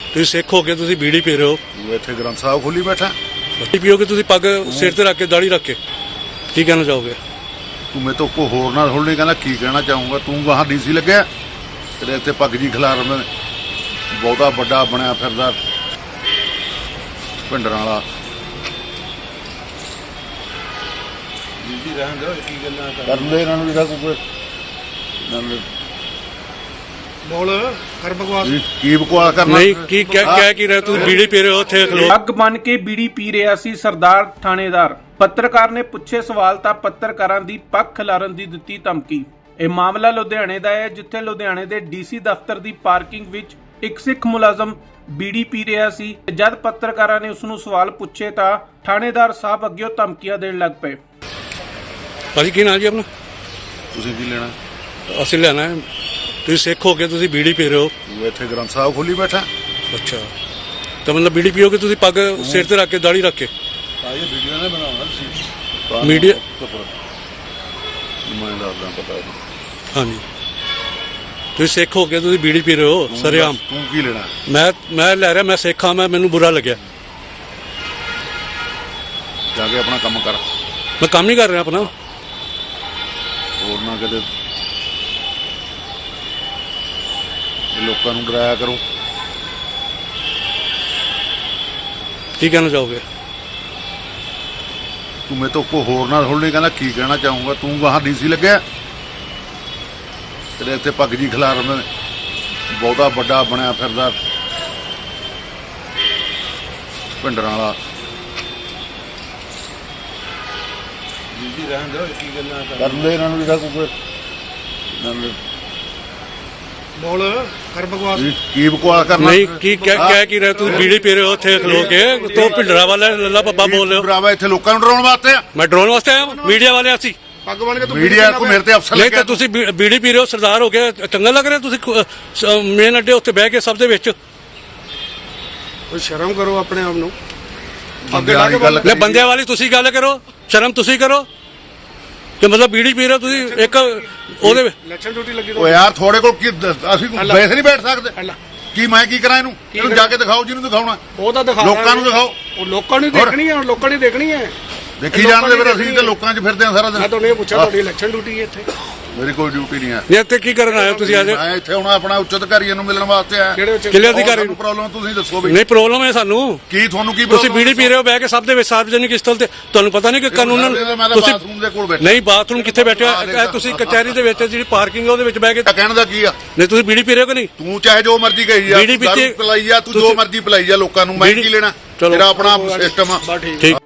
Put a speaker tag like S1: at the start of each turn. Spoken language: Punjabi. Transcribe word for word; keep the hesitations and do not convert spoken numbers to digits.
S1: ਤੁਸੀਂ ਸਿੱਖ ਹੋ ਕੇ ਤੁਸੀਂ ਬੀੜੀ ਪੀ ਰਹੇ ਹੋ,
S2: ਤੂੰ ਇੱਥੇ ਗ੍ਰੰਥ ਸਾਹਿਬ ਖੋਲੀ ਬੈਠਾ।
S1: ਬੀੜੀ ਪੀਓਗੇ ਤੁਸੀਂ ਪੱਗ ਸਿਰ ਤੇ ਰੱਖ ਕੇ ਦਾੜੀ ਰੱਖ ਕੇ, ਕੀ ਕਹਿਣਾ ਚਾਹੋਗੇ?
S2: ਤੂੰ ਮੇਰੇ ਤੋਂ ਕੋ ਹੋਰ ਨਾ ਥੋੜੀ ਕਹਿੰਦਾ ਕੀ ਕਹਿਣਾ ਚਾਹੂੰਗਾ। ਤੂੰ ਗਾਹਾਂ ਡੀਸੀ ਲੱਗਿਆ, ਤੇਰੇ ਇੱਥੇ ਪੱਗ ਜੀ ਖਿਲਾਰ ਬਹੁਤਾ ਵੱਡਾ ਬਣਿਆ ਫਿਰਦਾ ਭਿੰਡਰਾਂ ਵਾਲਾ।
S3: ਜੀ ਰਹਿਣ ਦਿਓ, ਕੀ ਗੱਲਾਂ
S2: ਕਰ ਲੈ ਇਹਨਾਂ ਨੂੰ ਜਿਹੜਾ ਕੋਈ ਇਹਨਾਂ ਨੂੰ
S3: ਬੋਲ ਕਰ ਬਕਵਾਸ।
S2: ਕੀ- ਕੀ ਬਕਵਾਸ ਕਰਨਾ
S1: ਨਹੀਂ, ਕੀ ਕਹਿ ਕਹਿ ਕੀ ਰਹੇ ਤੁਸੀਂ? ਬੀੜੀ ਪੀ ਰਹੇ ਹੋ ਉੱਥੇ ਖਲੋ।
S4: ਅੱਗ ਬਨ ਕੇ ਬੀੜੀ ਪੀ ਰਿਹਾ ਸੀ ਸਰਦਾਰ ਥਾਣੇਦਾਰ। ਪੱਤਰਕਾਰ ਨੇ ਪੁੱਛੇ ਸਵਾਲ ਤਾਂ ਪੱਤਰਕਾਰਾਂ ਦੀ ਪੱਖ ਖਿਲਾਰਨ ਦੀ ਦਿੱਤੀ ਧਮਕੀ। ਇਹ ਮਾਮਲਾ ਲੁਧਿਆਣੇ ਦਾ ਹੈ, ਜਿੱਥੇ ਲੁਧਿਆਣੇ ਦੇ ਡੀਸੀ ਦਫ਼ਤਰ ਦੀ ਪਾਰਕਿੰਗ ਵਿੱਚ ਇੱਕ ਸਿੱਖ ਮੁਲਾਜ਼ਮ ਬੀੜੀ ਪੀ ਰਿਹਾ ਸੀ। ਜਦ ਪੱਤਰਕਾਰਾਂ ਨੇ ਉਸ ਨੂੰ ਸਵਾਲ ਪੁੱਛੇ ਤਾਂ ਥਾਣੇਦਾਰ ਸਾਹਿਬ ਅੱਗਿਓਂ ਧਮਕੀਆਂ ਦੇਣ ਲੱਗ ਪਏ।
S1: ਭਾਜੀ ਕੀ ਨਾਂ ਜੀ ਆਪਣਾ?
S2: ਤੁਸੀਂ ਕੀ ਲੈਣਾ?
S1: ਅਸੀਂ ਲੈਣਾ ਹੈ, ਤੁਸੀਂ ਸਿੱਖ ਹੋ ਕੇ ਤੁਸੀਂ ਬੀੜੀ ਪੀ ਰਹੇ ਹੋ।
S2: ਤੂੰ ਇੱਥੇ ਗ੍ਰੰਥ ਸਾਹਿਬ ਖੋਲੀ ਬੈਠਾ।
S1: ਅੱਛਾ, ਤਾਂ ਮਤਲਬ ਬੀੜੀ ਪੀਓਗੇ ਤੁਸੀਂ ਪੱਗ ਸਿਰ ਤੇ ਰੱਖ ਕੇ ਦਾੜੀ ਰੱਖ ਕੇ।
S2: ਆਏ ਵੀਡੀਓ ਨੇ ਬਣਾਉਣਾ ਸੀ
S1: ਮੀਡੀਆ
S2: ਮੈਂ ਦੱਸਦਾ ਪਤਾ ਨਹੀਂ।
S1: ਹਾਂਜੀ, ਤੁਸੀਂ ਸਿੱਖ ਹੋ ਕੇ ਤੁਸੀਂ ਬੀੜੀ ਪੀ ਰਹੇ ਹੋ ਸਰੇਆਮ।
S2: ਤੂੰ ਕੀ ਲੈਣਾ?
S1: ਮੈਂ ਮੈਂ ਲੈ ਰਿਹਾ, ਮੈਂ ਸਿੱਖ ਹਾਂ, ਮੈਂ ਮੈਨੂੰ ਬੁਰਾ ਲੱਗਿਆ।
S2: ਜਾ ਕੇ ਆਪਣਾ ਕੰਮ ਕਰ,
S1: ਮੈਂ ਕੰਮ ਨਹੀਂ ਕਰ ਰਿਹਾ ਆਪਣਾ।
S2: ਹੋਰ ਨਾ ਕਿਤੇ ਲੋਕਾਂ ਨੂੰ ਡਰਾਇਆ ਕਰੋ।
S1: ਕੀ ਕਹਿਣਾ ਚਾਹੋਗੇ?
S2: ਤੂੰ ਮੇਰੇ ਤੋਂ ਕੋ ਹੋਰ ਨਾ ਥੋੜੀ ਕਹਿੰਦਾ ਕੀ ਕਹਿਣਾ ਚਾਹੂੰਗਾ। ਤੂੰ ਗਾਹਾਂ ਡੀਸੀ ਲੱਗਿਆ, ਤੇਰੇ ਇੱਥੇ ਪੱਗ ਜੀ ਖਿਲਾਰ ਬਹੁਤਾ ਵੱਡਾ ਬਣਿਆ ਫਿਰਦਾ ਭਿੰਡਰਾਂ ਵਾਲਾ।
S3: ਜੀ ਰਹਿਣ ਦਿਓ, ਕੀ ਗੱਲਾਂ
S2: ਕਰ ਲੈ ਇਹਨਾਂ ਨੂੰ ਜਿਹੜਾ ਕੋਈ ਇਹਨਾਂ ਨੂੰ
S3: ਬੋਲ ਕਰ ਬਕਵਾਸ।
S2: ਕੀ- ਕੀ ਬਕਵਾਸ ਕਰਨਾ?
S1: ਨਹੀਂ, ਕੀ ਕਹਿ ਕਹਿ ਕੀ ਰਹੇ ਤੁਸੀਂ? ਬੀੜੀ ਪੀ ਰਹੇ ਹੋ ਉੱਥੇ ਖਲੋ ਕੇ, ਤੋ ਭਿੰਡਰਾ ਵਾਲਾ ਲੱਲਾ ਬੱਬਾ ਬੋਲ ਰਹੇ ਹੋ।
S2: ਬਰਾਵਾ ਇੱਥੇ ਲੋਕਾਂ ਨੂੰ ਡਰਾਉਣ ਵਾਸਤੇ ਆ।
S1: ਮੈਂ ਡਰੋਨ ਵਾਸਤੇ ਆਇਆ, ਮੀਡੀਆ ਵਾਲੇ ਅਸੀਂ।
S3: ਪੱਗ ਬਣ ਕੇ ਤੂੰ
S2: ਮੀਡੀਆ ਕੋ ਮੇਰੇ ਤੇ ਅਫਸਰ
S1: ਨਹੀਂ
S2: ਲੱਗਿਆ।
S1: ਤਾਂ ਤੁਸੀਂ ਬੀ- ਬੀੜੀ ਪੀ ਰਹੇ ਹੋ, ਸਰਦਾਰ ਹੋ ਕੇ ਚੰਗਾ ਲੱਗ ਰਿਹਾ ਤੁਸੀਂ ਮੇਨ ਅੱਡੇ ਉੱਤੇ ਬਹਿ ਕੇ ਸਭ ਦੇ ਵਿੱਚ।
S3: ਕੋਈ ਸ਼ਰਮ ਕਰੋ ਆਪਣੇ ਆਪ ਨੂੰ।
S2: ਬੰਦੇ ਵਾਲੀ ਗੱਲ
S1: ਲੈ ਬੰਦਿਆਂ ਵਾਲੀ ਤੁਸੀਂ ਗੱਲ ਕਰੋ, ਸ਼ਰਮ ਤੁਸੀਂ ਕਰੋ ਕਿ ਮਤਲਬ ਬੀੜੀ ਪੀ ਰਹੇ ਹੋ ਤੁਸੀਂ ਇੱਕ ਉਹਦੇ ਵਿੱਚ।
S3: ਇਲੈਕਸ਼ਨ ਡਿਊਟੀ ਲੱਗੀ
S2: ਓ ਯਾਰ ਥੋੜੇ ਕੋਲ ਕੀ ਦ- ਅਸੀਂ ਵੈਸੇ ਨਹੀਂ ਬੈਠ ਸਕਦੇ।
S3: ਅੱਲਾ
S2: ਕੀ ਮੈਂ ਕੀ ਕਰਾਂ ਇਹਨੂੰ? ਇਹਨੂੰ ਜਾ ਕੇ ਦਿਖਾਓ ਜਿਹਨੂੰ ਦਿਖਾਉਣਾ।
S3: ਉਹ ਤਾਂ ਦਿਖਾ
S2: ਲੋਕਾਂ ਨੂੰ ਦਿਖਾਓ।
S3: ਉਹ ਲੋਕਾਂ ਨੂੰ
S2: ਹੋਰ।
S3: ਦੇਖਣੀ ਹੈ, ਲੋਕਾਂ ਨੇ ਦੇਖਣੀ ਹੈ।
S2: ਦੇਖੀ ਜਾਣਦੇ ਫਿਰ ਅਸੀਂ ਤਾਂ ਲੋਕਾਂ 'ਚ ਫਿਰਦੇ ਆ ਸਾਰਾ ਦਿਨ।
S3: ਮੈਂ ਤੁਹਾਨੂੰ ਇਹ ਪੁੱਛਿਆ, ਤੁਹਾਡੀ ਇਲੈਕਸ਼ਨ ਡਿਊਟੀ ਹੈ ਇੱਥੇ?
S2: ਮੇਰੀ ਕੋਈ ਡਿਊਟੀ ਨਹੀਂ ਹੈ।
S1: ਨਹੀਂ ਇੱਥੇ ਕੀ ਕਰਨ ਆਏ ਹੋ ਤੁਸੀਂ ਅੱਜ?
S2: ਮੈਂ ਇੱਥੇ ਹੁਣ ਆਪਣਾ ਉੱਚ ਅਧਿਕਾਰੀਆਂ ਨੂੰ ਮਿਲਣ ਵਾਸਤੇ ਆਇਆ।
S3: ਕਿਹੜੇ ਉੱਚ
S1: ਕਿਲੇ ਅਧਿਕਾਰੀ ਨੂੰ?
S2: ਪ੍ਰੋਬਲਮ ਤੁਸੀਂ ਦੱਸੋ ਵੀ
S1: ਨਹੀਂ ਪ੍ਰੋਬਲਮ ਹੈ ਸਾਨੂੰ।
S2: ਕੀ ਤੁਹਾਨੂੰ ਕੀ
S1: ਤੁਸੀਂ
S2: problem
S1: ਬੀੜੀ ਪੀ ਰਹੇ ਹੋ ਬਹਿ ਕੇ ਸਭ ਦੇ ਵਿੱਚ ਸਾਰਵਜਨਿਕ ਸਥਲ ਤੇ, ਤੁਹਾਨੂੰ ਪਤਾ ਨਹੀਂ ਕਿ ਕਾਨੂੰਨ
S2: ਮੈਂ ਤਾਂ
S1: ਤੁਸੀਂ
S2: ਬਾਥਰੂਮ ਦੇ ਕੋਲ ਬੈਠਾ।
S1: ਨਹੀਂ ਬਾਥਰੂਮ ਕਿੱਥੇ ਬੈਠੇ ਹੋ? ਇਹ ਤੁਸੀਂ ਕਚਹਿਰੀ ਦੇ ਵਿੱਚ ਜਿਹੜੀ ਪਾਰਕਿੰਗ ਹੈ ਉਹਦੇ ਵਿੱਚ ਬਹਿ ਕੇ।
S2: ਤਾਂ ਕਹਿਣ ਦਾ ਕੀ ਆ?
S1: ਨਹੀਂ ਤੁਸੀਂ ਬੀੜੀ ਪੀ ਰਹੇ ਹੋ ਕਿ ਨਹੀਂ?
S2: ਤੂੰ ਚਾਹੇ ਜੋ ਮਰਜ਼ੀ ਕਹੀ ਜਾ,
S1: ਬੀੜੀ
S2: ਦਾਰੂ
S1: ਪੀਤੀ-
S2: ਪਿਲਾਈ ਜਾ, ਤੂੰ ਜੋ
S1: ਤੁਸੀਂ-
S2: ਮਰਜ਼ੀ ਪਿਲਾਈ ਜਾ ਲੋਕਾਂ ਨੂੰ। ਮੈਂ
S1: ਬੀੜੀ-
S2: ਕੀ ਲੈਣਾ?
S1: ਚਲੋ।
S2: ਤੇਰਾ ਆਪਣਾ ਸਿਸਟਮ ਆ।
S3: ਬਸ ਠੀਕ।
S1: ਠੀਕ।